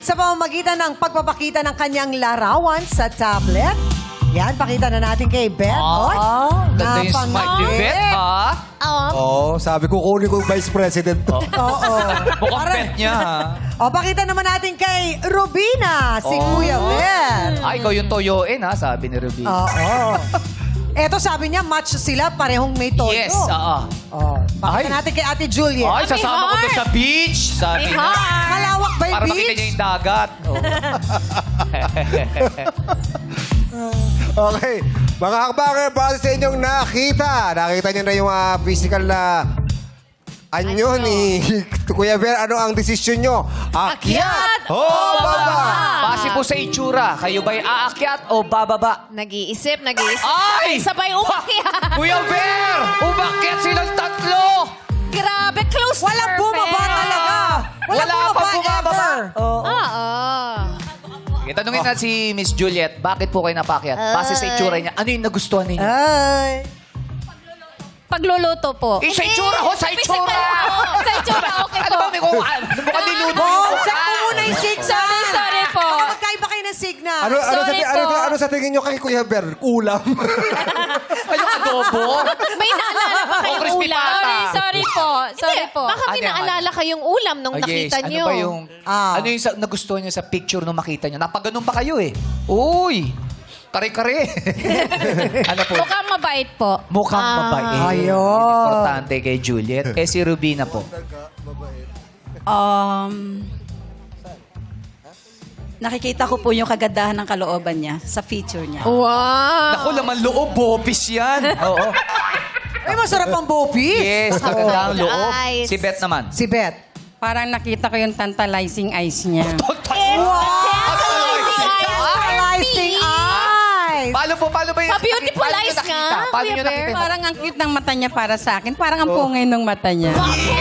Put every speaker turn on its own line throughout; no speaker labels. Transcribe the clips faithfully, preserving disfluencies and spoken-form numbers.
Sa pamamagitan ng pagpapakita ng kanyang larawan sa tablet. Yan, pakita na natin kay Beth. Oy,
Ganda yung smile ni
napangiti.
Beth, ha?
Oo, sabi ko kunin ko yung Vice President to.
Oo.
Mukhang Beth niya, ha?
O, pakita naman natin kay Rubina, si
Oh.
Kuya Beth.
Ah, ikaw yung toyoin, ha? Sabi ni Ruby.
Oo. Eto, sabi niya, match sila, parehong may todo.
Yes, oo.
Oh, pakita
Ay.
natin kay Ate Juliet.
Ay, sasama ko to sa beach. Sabi
May
niya.
heart.
Malawak ba yung
Para makita
beach?
niya yung dagat. Oh.
Okay. Mga hakbanger, para sa inyong nakita. Nakita niyo na yung ah, physical na anyo ni Kuya Ver. Ano ang desisyon nyo? Akyat o baba?
Base po sa itsura, kayo ba'y aakyat o bababa?
Nag-iisip, nag-iisip.
Ay!
Sabay umakyat.
Kuya Ver! Umakyat silang tatlo!
Grabe, close to
Walang
perfect.
bumaba talaga. Walang
Wala
bumaba
pang bumababa.
ever. Oo.
Oo.
Okay, tanungin na si Miss Juliet, bakit po kayo napakyat? Base sa itsura niya, ano yung nagustuhan ninyo?
Ay.
Pagluluto po.
Eh, sa itsura ho, sa itsura!
Physical po. Sa itsura, okay
Ano
po.
ba, may kuhaan? Mukhang niluto
Oh,
yung
check mo
kuhaan.
muna yung signal.
Sorry, sorry po.
Baka magkaiba kayo ng signal.
Ano, ano, sa,
Sorry
ano,
po.
ano sa tingin nyo kay Kuya Ver? Ulam.
Ay, yung adobo?
May naalala pa
Oh,
kayong
crispy
ulam.
pata.
Sorry, sorry po. Sorry po. Baka
Ano
may
yan,
naalala kayong ulam nung
Ah,
nakita
yes.
nyo.
Ano ba yung...
Ah.
Ano yung sa, nagustuhan niyo sa picture nung makita niyo? Napaganon pa kayo eh. Uy! Kare-kare. ano po?
Mukhang mabait po.
Mukhang
Ah.
mabait.
Ayun.
Importante kay Juliet. Eh si Rubina po.
Um, nakikita ko po yung kagandahan ng kalooban niya sa feature niya.
Wow.
Naku, laman loob. Bopis yan. Oo.
Ay, masarap ang bopis.
Yes, maganda ang loob.
Eyes.
Si Beth naman.
Si Beth.
Parang nakita ko yung tantalizing eyes niya.
Tantalizing eyes.
Paano po? Paano ba yung...
Pa-beautiful
paano nyo
eyes
nakita?
nga,
Paano
Kuya
nyo nakita?
Bear.
Parang ang cute ng mata niya para sa akin. Parang ang pungay ng mata niya.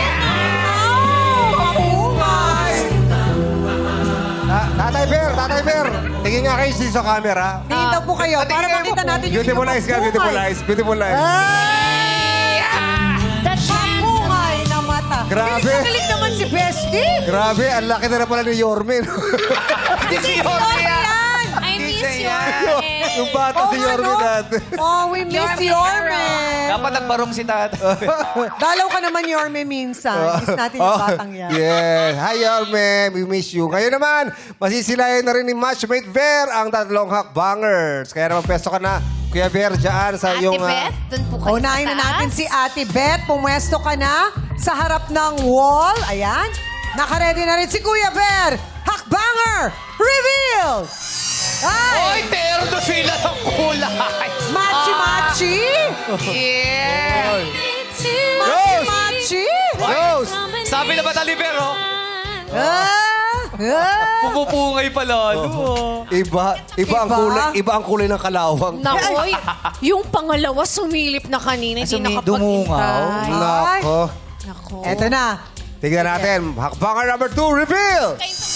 Ta- Tatay Ver, Tatay Ver. Tingin nga kayo sa camera.
Tingin daw po kayo para
Tingin
makita
mo.
natin yung
Beautiful
inyong
eyes ka, beautiful
pagpungay.
eyes. Beautiful eyes.
Ay!
The chance.
Pungay na mata.
Grabe.
Galing na galing naman si Bestie.
Grabe, ang laki na na pala ni Yorme. no?
Hindi si Jorge yan.
I miss
Hindi
your
yan.
yung bata si Yorme natin.
Oh, we miss Yorme.
Dapat nagbarong si Tata.
Dalaw ka naman, Yorme, minsan. Miss natin yung batang yan.
Yes. Hi, Yorme. We miss you. Ngayon naman, masisilayan na rin ni Matchmate Ver ang tatlong hakbangers. Kaya naman, pesto ka na, Kuya Ver, dyan sa
Ate
iyong... ah,
Beth, dun po kayo
Unahin
sa
na natin
taas.
si Ate Beth. Pumwesto ka na sa harap ng wall. Ayan. Nakaredy na rin si Kuya Ver. Hakbanger! Reveal! Ay!
Oy, terno sila ng kulay.
Machi-machi!
Yeah.
Machi-machi!
Rose!
Sabi na ba talibero?
Ah! Ah!
Pumupungay pala. Ano?
Iba, iba, ang
Iba?
kulay, iba ang kulay ng kalawang.
Nakoy, yung pangalawa sumilip na kanina, hindi
Sumi-
nakapaghintay.
dumungaw.
Nako.
Nako.
Eto na.
Tignan natin. Hakbanger number two, reveal!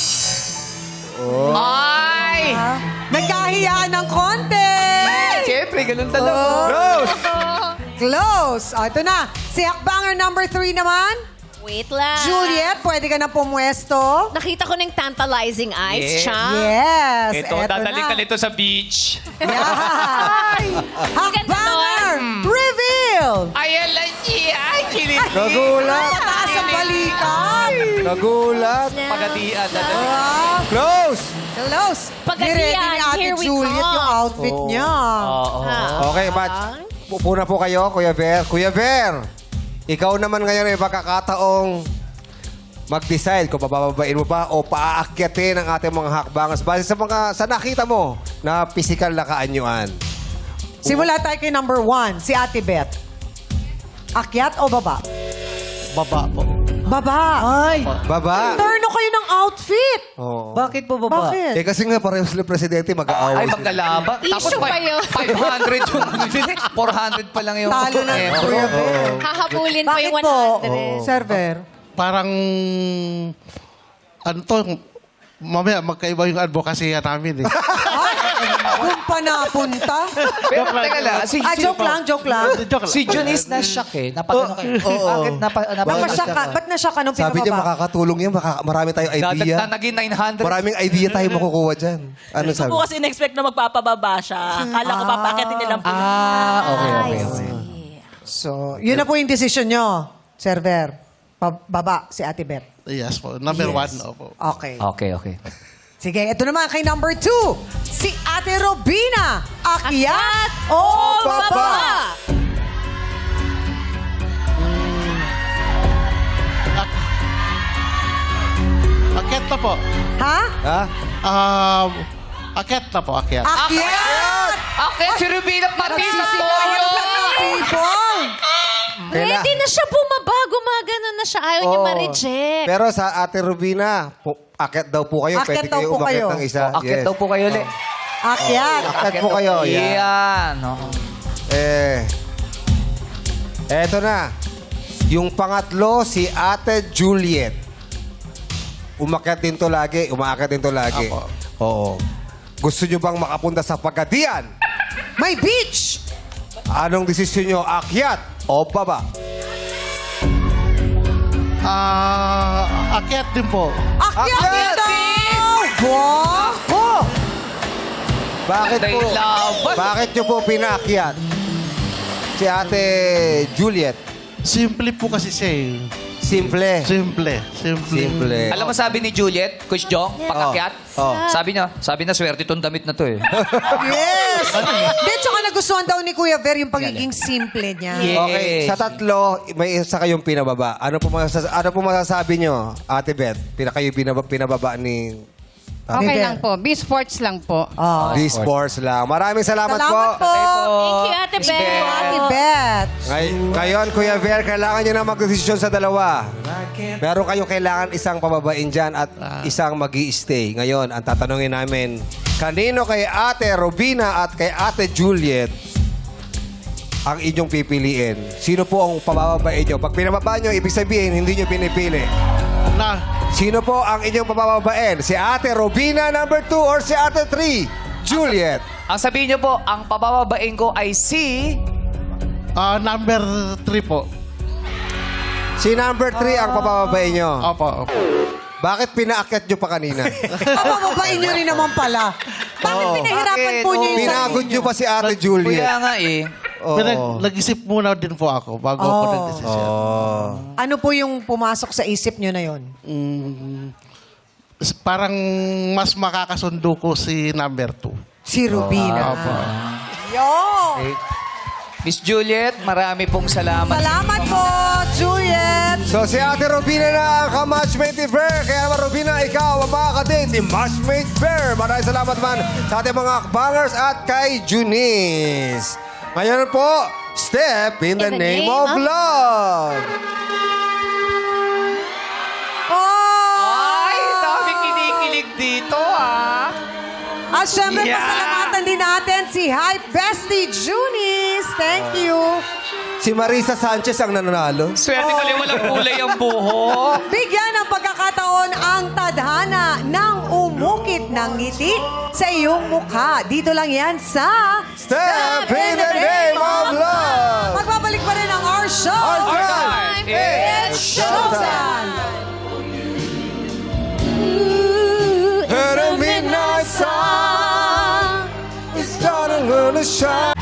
Ay!
Ah, nagkahiyaan ng konti.
Siyempre, ganun talaga.
Rose!
Close. O, ito na. Si Hakbanger number three naman.
Wait lang.
Juliet, pwede ka na pumwesto.
Nakita ko ng tantalizing eyes,
Yeah.
siya.
Yes.
Ito,
eto
dadalik
na.
ka nito sa beach.
Yan. Hakbanger reveal.
Ayan lang siya. Ay, kilit.
Nagulat!
Pataas ang balikat.
Nagulat!
Pagatian.
Ah,
Close!
close.
Pagkatiyan,
Ni-ready ni Ate
here we
Juliet
come.
yung outfit
Oh.
niya.
Oo.
Okay, Match. Upo na po kayo, Kuya Ver. Kuya Ver, ikaw naman ngayon ay pagkakataong mag-decide kung pabababain mo ba o paaakyatin ang ating mga hakbangers base sa mga sa nakita mo na physical na kaanyuan.
Simula tayo kay number one, si Ate Beth. Akyat o baba?
Baba po.
Baba. Ay.
Baba.
Turno kayo ng outfit.
Oo.
Bakit po baba?
Bakit?
Eh kasi nga pareho sila presidente mag-aaway.
Ay,
sila.
magkalaba.
Issue ba yun?
five hundred yung... four hundred pa lang yung...
Talo na,
Eh,
Kuya Ver.
Hahabulin pa
Bakit
yung
po?
one hundred.
Server.
Parang ano to, mamaya magkaiba yung advocacy namin eh.
Doon pa napunta.
Pero teka lang. Si,
Ah, joke lang, joke lang.
Joke lang.
si Jun is na-shock eh. Napagano kayo.
Oo.
Bakit napa, napa,
Napasya ka. Ba't nasya ka nung
Sabi niya
pinababa?
makakatulong yan. Maka, marami tayong idea.
Dadagdag naging nine hundred.
Maraming idea tayo makukuha dyan. Ano sabi?
Ako kasi in-expect na magpapababa siya. Akala ko papakitin niya lang po.
Ah, okay, okay, okay.
So, yun na po yung decision nyo, server. Pababa si Ate Beth.
Yes po. Number
Yes.
one, opo.
Okay.
Okay, okay.
Sige, ito naman kay number two. Si Ate Robina. Akyat o baba?
Akyat na po.
Ha?
Ha?
Um, akyat na po, akyat.
Akyat!
Okay, si Rubina pati sa
Nagsisigawan
toyo.
pa ng people.
Ready na siya bumaba. Gumagano na siya. Ayaw niya
Oo.
ma-reject.
Pero sa Ate Rubina, pu- akyat daw po kayo.
Akyat
Pwede
daw
kayo
po
umakyat
kayo.
ng isa.
Akyat
Yes.
daw po kayo ulit.
Akyat.
Akyat po kayo. Yan.
Yan. oh.
Eh, eto na. Yung pangatlo, si Ate Juliet. Umakyat din to lagi. Umaakyat din to lagi.
Apo.
Oo. Gusto nyo bang makapunta sa Pagadian?
May beach.
Anong desisyon nyo? Akyat o baba?
Ah, akyat din po.
Akyat
Akyat!
daw! Wow!
Bakit
Ganda
po?
yung laban.
Bakit nyo po pinakyat? Si Ate Juliet.
Simple po kasi siya eh.
Simple.
Simple. Simple.
Simple.
Alam mo sabi ni Juliet, Coach Jong, pag-akyat?
Oh.
Sabi niya, sabi na swerte itong damit na to eh.
Yes! Hindi, tsaka nagustuhan daw ni Kuya Ver yung pagiging simple niya.
Yeah.
Okay, sa tatlo, may isa kayong pinababa. Ano po, masas- ano po masasabi nyo, Ate Beth? Pina kayo binaba- pinababa ni
Okay
River.
lang po. B-sports lang po.
Oh.
D Sports lang. Maraming salamat,
Salamat po.
Thank you, Ate Beth.
Ate Beth.
Ngay- ngayon, Kuya Ver, kailangan nyo na magdesisyon sa dalawa. Meron kayong kailangan isang pababain dyan at isang mag stay Ngayon, ang tatanungin namin, kanino kay Ate Robina at kay Ate Juliet ang inyong pipiliin? Sino po ang pababain nyo? Pag pinababa nyo, ibig sabihin, hindi nyo pinipili.
Na,
Sino po ang inyong pababain? Si Ate Robina number two or si Ate three, Juliet?
Ang sabihin niyo po, ang pabababain ko ay si...
ah, number three po.
Si number three ang pababain nyo.
Opo, opo.
Bakit pinaakyat nyo pa kanina?
Papababain niyo rin naman pala. Bakit
Oo.
pinahirapan
Bakit?
po niyo yung
Pinagod
sarili
nyo pa si Ate Juliet.
Kuya nga eh.
Oo.
Pinag- nag-isip muna din po ako bago ako
Oh.
nag-decision.
Oh.
Ano po yung pumasok sa isip niyo na yon?
Mm, s- parang mas makakasundo ko si number two.
Si Rubina.
Opo.
Yo!
Miss Juliet, marami pong salamat.
Salamat po, Juliet!
So si Ate Robina na ang ka-matchmate ni Bear. Kaya naman Robina, ikaw ang makakadate ni Matchmate Bear. Maraming salamat man sa ating mga bangers at kay Junice. Ngayon po, step in the,
In the
name,
name
of,
of-
love.
Oh!
Ay, dami kinikilig dito ah.
At syempre,
Yeah.
pasalamatan din natin si Hype Bestie Junice. Thank you.
Si Marisa Sanchez ang nanalo.
Swerte ko lang walang kulay ang buhok.
Bigyan ng pagkakataon ang tadhana ng umukit ng ngiti sa iyong mukha. Dito lang yan sa
Step in the name of love.
Magbabalik pa rin ang our show.
Our
Our
time.
time
It's
is
showtime.
And a midnight sun is starting to shine.